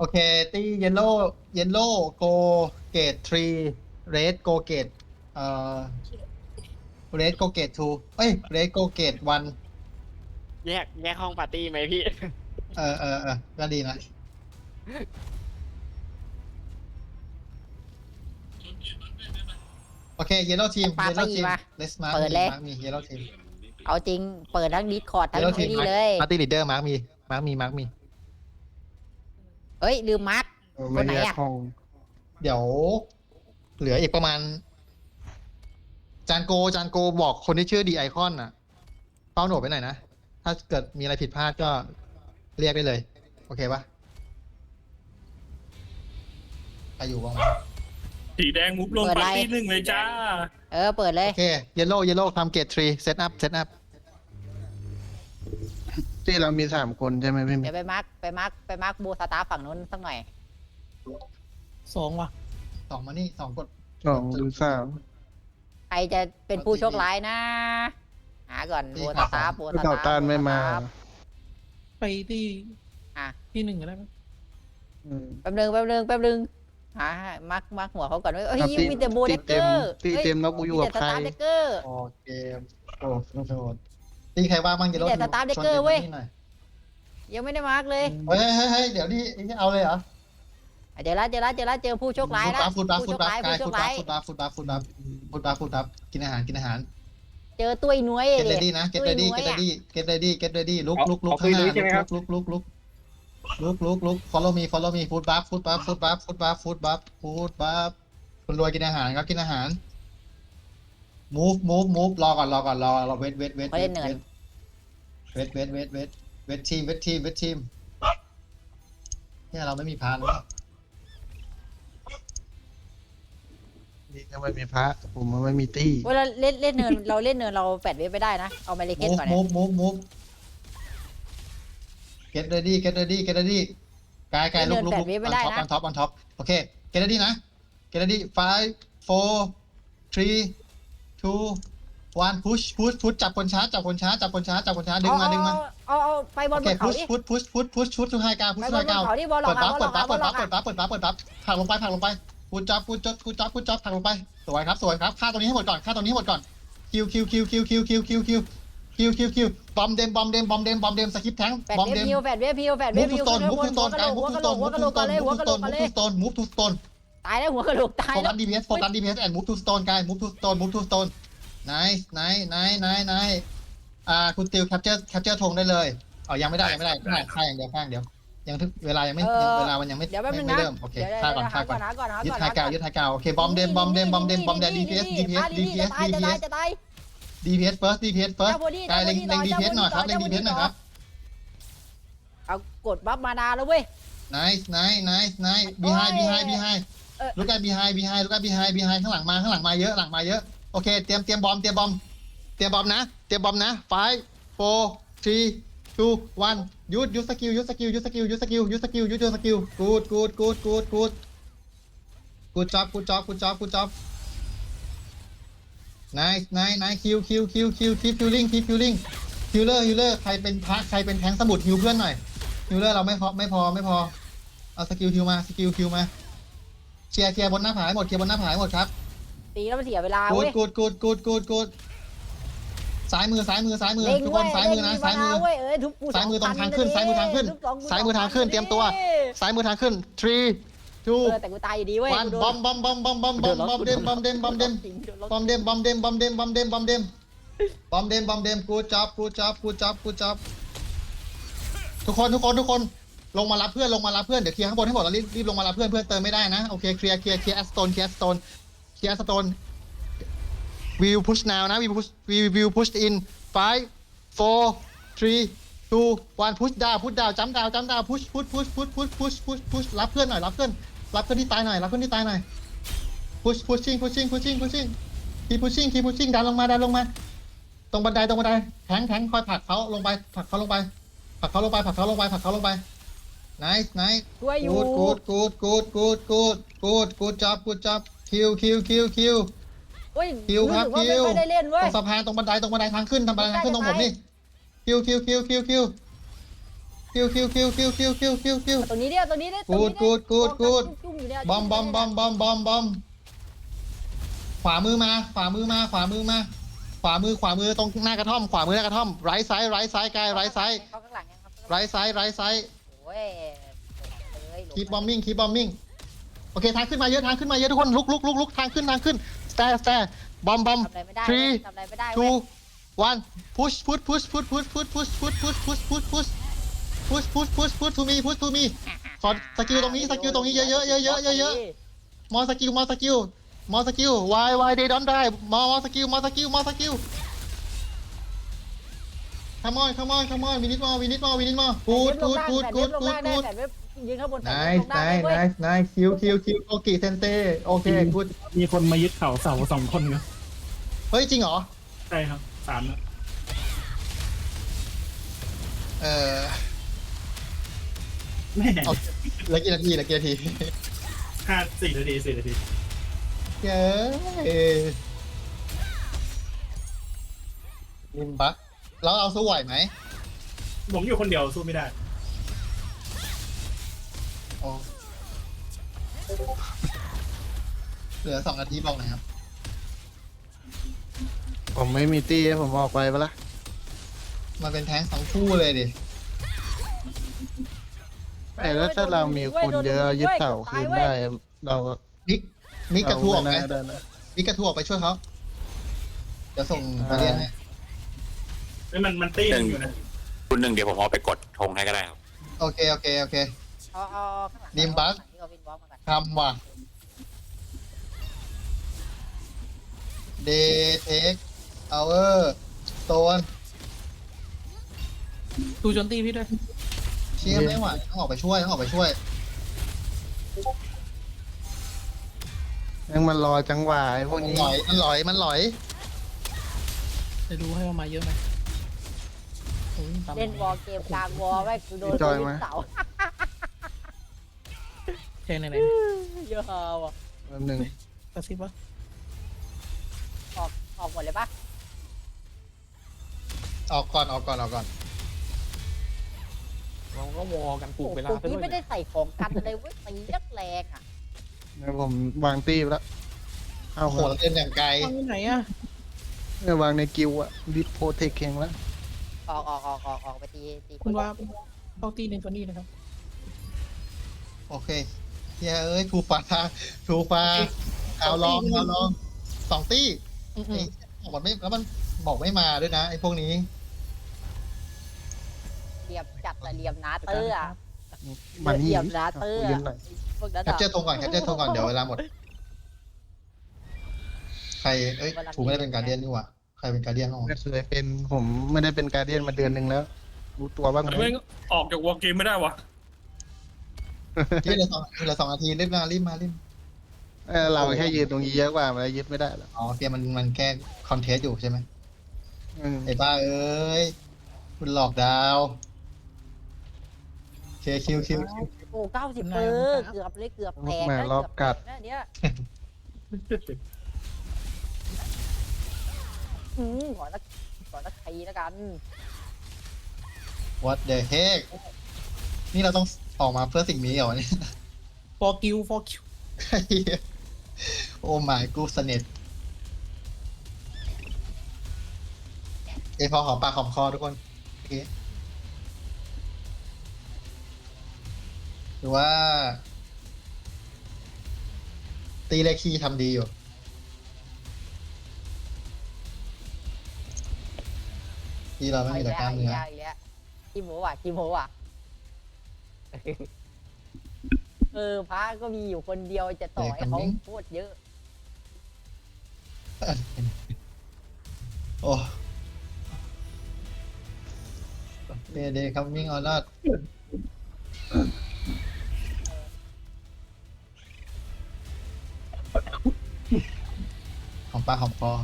เคตี้เยลโล่โกเกตทรีเรดโกเกตเอ่อเรดโกเกตทูเอ้ยเรดโกเกตวันแยกห้องปาร์ตี้ไหมพี่ก็ดีนะโอเคเยลโล่ทีมปาเยลโล่ไปอีทีกมวะเลสมาร์เปิดเลยมีเยลโล่ทีมเอาจริงเปิดทั้งดิสคอร์ดทั้ง Yellow ไอ้ team นี่เลยปาร์ตี้ลีดเดอร์มาร์กมีเอ้ยลืมมาร์คไม่คนไหนแยกอะห้องเดี๋ยวเหลืออีกประมาณจานโกบอกคนที่ชื่อดีไอคอนน่ะเฝ้าโหนดไปหน่อยนะ ถ้าเกิดมีอะไรผิดพลาดก็เรียกได้เลย โอเคปะใครอยู่บ้างวะสีแดงมุฟลงปาร์ตี้หนึ่งเลยจ้าเปิดเลยโอเคเยลโล่ทำเกตทรีเซตอัพที่เรามี3 คนใช่ไหมพี่เดี๋ยวไปมาร์คบูสตาร์ฝั่งนู้นสักหน่อย 2 ว่ะสองมานี่สองกด 2 หรือใครจะเป็นผู้โชคร้ายนะหาก่อนนี่บูครัสบตาร์ 3แล้วเต่าต้านไม่มาไปที่อ่ะที่ 1ก็ได้ไหมแป๊บนึงหามาร์คหัวเขาก่อนเฮ้ยครับมีแต่โบเดกเกอร์ที่เต็มแล้วกูอยู่กับใครมีแต่สตาร์เดกเกอร์โอเคโอ้โหตีใครว่างบ้างเยลโล่มีแต่ Star Decker เว้ยหน่อยยังไม่ได้มาร์คเลยเฮ้ยเดี๋ยวนี่เอาเลยเหรอเจอละเจอผู้โชคร้ายแล้วฟุตบัฟผู้โชคร้ายผู้โชคร้ายฟุตบัฟกินอาหารเจอตัวไอ้หน่วยเก็ตเรดี้นะ เก็ตเรดี้ลุกข้างหน้าลุก follow me food buff คุณรวยกินอาหารครับกินอาหาร move รอก่อนเวททีมเนี่ยเราไม่มีพานเลยนี่ก็ไม่มีพระ ผมมันไม่มีตี้เวลาเล่นเนินเราแปดเว็บไม่ได้นะเอามาเลเกนก่อนนะ move get ready กายลุก on top โอเค get ready นะ get ready 5 4 3 2 1 push จับคนช้าดึงมาเอาไปบอลโอเคบนเขาดิ push ทุกไฮกาไปบอลบนเขาดิบอลหลอกเปิดมาปั๊บบอลหลอกมาผลักลงไปกูจับผลักลงไปสวยครับฆ่าตรงนี้ให้หมดก่อนคิวบอมเดมสกิปแทงแปดบอมเว็เดบมฮิวแปดเว็บฮิวมูฟทูสโตนหัวกะโหลกมูฟทูสโตนตายแล้วหัวกระโหลกตายโฟแล้กัวส DPS and move to stone กาย move to stone nice คุณติว capture ธงได้เลยยังไม่ได้ฆ่าอย่างเดียวยังเวลายังไม่เวลามันยังไม่เดี๋ยวแป๊บนึงนะเริ่มโอเคฆ่าก่อนยึดไฮกาวโอเคบอมเดมDPS จะตาย DPS first กายเล็ง DPS หน่อยครับเล็ง DPS หน่อยครับเอากดบัฟมานาแล้วเว้ย nice behind look at behind ข้างหลังมาเยอะโอเคเตรียมบอมนะ5 4 3 2 1ยูสกิลกูจ็อบniceคิวkeep killingคิวเลอร์ใครเป็นพระใครเป็นแทงสมุดฮิวเพื่อนหน่อยฮิวเลอร์เราไม่พอเอาสกิลคิวมาเคลียร์บนหน้าผาให้หมดครับตีแล้วมันเสียเวลาเว้ยกูดซ้ายมือทุกคนซ้ายมือนะซ้ายมือตรงทางขึ้นซ้ายมือทางขึ้นเตรียมตัวซ้ายมือทางขึ้น3 2 แต่กูตายอยู่ดีเว้ย 1บอมเดมกูจับทุกคนลงมารับเพื่อนเดี๋ยวเคลียร์ข้างบนให้หมดแล้วรีบลงมารับเพื่อนเติมไม่ได้นะโอเคเคลียร์แอสโตนwe will push now นะ we will push in 5 4 3 2 1 push down จัมป์ดาว push รับเพื่อนที่ตายหน่อยpushing keep pushing ดันลงมาตรงบันไดแทงคอยผลักเขาลงไปnice ช่วยอยู่ good job คิวเฮ้ยคิวครับรู้สึกว่าไม่ค่อยได้เล่นเว้ตยรงสะพานตรงบันไดทางขึ้นทางขึ้นตรงผมนี่คิวคิวคิวคิวคิวคิวคิวคิวคิวตรงนี้เนี่ยตรงนี้เนี่ย Good, good, good, good จุ่มอยู่เนี่ยบอมบอมบอมบอมบอมบอมขวามือมาขวามือมาขวามือมาขวามือขวามือตรงหน้ากระท่อมขวามือหน้ากระท่อมไรซ้ายไรซ้ายกายไรซ้ายเข้าข้างหลังยังครับไรซ้ายไรซ้ายโอ้ยเลยคีบอมมิ่งคีบอมมิ่งโอเคทางขึ้นมาเยอะทางขึ้นมาเยอะทุกคนลุกลุกลุกลุกทางขึ้นทางขึ้นสแตร์สแตร์บอมบอมทำอะไรไม่ได้ three ทำอะไรไม่ได้ two one push push push push push push push push push push push push push push push push to me push to me ขอสกิลตรงนี้สกิลตรงนี้เยอะเยอะเยอะเยอะเยอะเยอะมอสกิลมอสกิลมอสกิล why they don't die มอสกิลมอสกิลมอสกิล come on come on come on we need more we need more we need more good good good good good good ยืนข้างบน nice nice nice nice คิวคิวคิวโอเคเซนเต้โอเค good มีคนมายึดเขาเสา2 คนครับเฮ้ยจริงเหรอใช่ครับ3นะเออแม่เอาเหลือกี่นาทีเหลือกี่นาที 4 นาที 4 นาทีเย้ลิมบักแล้วเอาสู้ไหวไหมผมอยู่คนเดียวสู้ไม่ได้อ๋อเหลือ2 นาทีบอกหน่อยครับผมไม่มีตี้ผมออกไปปะล่ะมันเป็นแท้ง2 คู่เลยดิแต่แล้วถ้าเรามีคนเยอะยึดเสาคืนได้เราก็มิกมิกกระทู้ออกไหมได้นะมิกกระทู้ออกไปช่วยเขาเดี๋ยวส่งมาเรียนให้เฮ้ยมันตี้กันอยู่นะคุณหนึ่งเดี๋ยวผมเอาไปกดธงให้ก็ได้ครับโอเคโอเคโอเคเอาข้างหลังนิมบัสที่เขาวินบล็อกมาก่อนทำว่ะเดเทคเอาโซนดูโจนตีพี่ด้วยเชี่ยไม่ไหวต้องออกไปช่วยต้องออกไปช่วยยังมันรอจังหวะไอ้พวกมันนี้หลอยมันหลอยมันหลอยจะดูให้มันมาเยอะไหมโอ้ยตามเล่นวอลเกมกลางวอลไว้กูโดนตัวยิงเสาแทงไหนเยอะว่ะแป๊บหนึงๆกระซิบวะออกหมดเลยปะออกก่อนออกก่อนออกก่อนเราก็วอกันปลุกเวลาโอ้ซะโหด้วยพี่ไม่ได้ใส่ของกันเลยเว้ยตียักแรงอ่ะแล้วผมวางตี้ไปแล้วเอาโอ้โหครับเราเดินอย่างไกลวางที่ไหนอ่ะเนี่ยวางในกิวอะดิโพเทคเองแล้วออกไปตีคุณว่าเข้าตีหนึ่งตัวนี้นะครับโอเคเฮียเอ้ยทูฟ้าทูฟ้าเอาลองเอาลอง2 ตี้ไอ้บอกมันไม่แล้วมันบอกไม่มาด้วยนะไอ้พวกนี้เหลี่ยมจัดแต่เหลี่ยมนาเตอร์อ่ะมานี่เหลี่ยมนาเตอร์ยืนหน่อยพวกนั้นแคปเจอร์ธงก่อนแคปเจอร์ธงก่อนเดี๋ยวเวลาหมด ใครเอ้ยถูไม่ได้เป็นการเดียนนี่หว่าใครเป็นการเดียนห้องไม่เคยเป็นผมไม่ได้เป็นการเดียนมาเดือนหนึ่งแล้ว รู้ตัวบ้างไหมไม่งออกจากวอลเกมไม่ได้วะที่เหลือ2 นาทีรีบมารีบมารีบเราแค่ยืนตรงนี้เยอะกว่ามันยึดไม่ได้แล้วอ๋อเกมมันแค่คอนเทสต์อยู่ใช่ไหมอืมไอ้บ้าเอ้ยคุณหลอกดาวเคคิวคิวโอ้90เปอร์เกือบเลยเกือบแตกแม่นะรอบกัดเกือบแตกนะเนี่ยขอสักทีแล้วกันวัดเดอะเฮกนี่เราต้องออกมาเพื่อสิ่งนี้เหรอเนี่ยฟอร์คิวโอ้ my กูสเน็ตพอหอมปากหอมคอทุกคนโอเคหรือว่า ตีเลขคีย์ทำดีอยู่ที่เราไม่มีแต่กล้ามเนื้ออีกแล้วขี้โม้ว่ะพระก็มีอยู่คนเดียวจะต่อให้เขาโคตรเยอะโอ้เดย์คัมมิ่งออนนอตหอมปากหอมคอ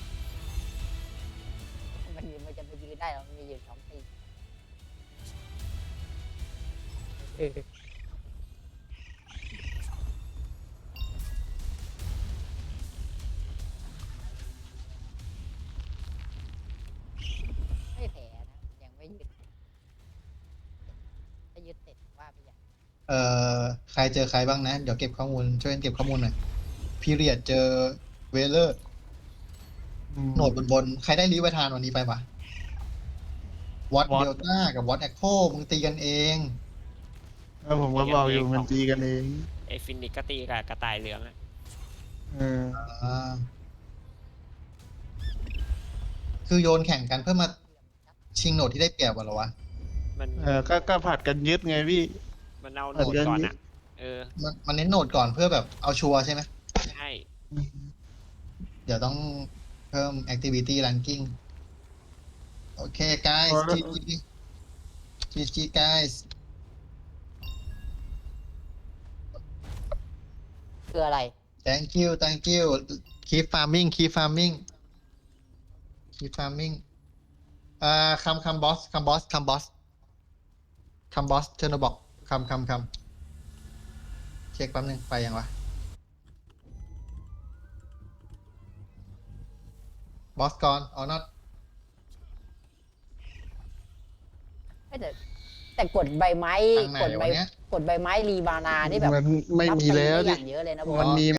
มันจะไปยืนได้หรอมันมีอยู่2 ปีไม่แผลนะยังไม่ยืนเอ่ใครเจอใครบ้างนะ เดี๋ยวเก็บข้อมูลช่วยกันเก็บข้อมูลหน่อยพีเรียดเจอเวเลอร์โหนดบนใครได้ลิเวทานวันนี้ไปปะวอต Watt เดลต้ากับวอตแอคโคมึงตีกันเองแล้วผมก็บอกอยู่มันตีกันเองไอฟินิกก็ตีกับกระต่ายเหลืองอะเอออ่าคือโยนแข่งกันเพื่อมาชิงโหนดที่ได้เปรียบเหรอวะมันก็ผัดกันยึดไงพี่มันเอาโหนดก่อนอะเออมันเน้นโหนดก่อนเพื่อแบบเอาชัวร์ใช่ไหมใช่เดี๋ยวต้องเพิ่ม activity ranking โอเค guys พอแล้ว GG guys คืออะไร thank you keep farming keep farming keep farming คำบอสเทอร์โนบอกคำเช็คแป๊บนึงไปยังวะบอสก่อนor not แต่กดใบไม้ทางไหนกดใบวะเนี่ยกดใบไม้รีบานานี่แบบมันไม่มีแล้วรับไปได้อดิย่างเยอะเลยนะบอมันสมี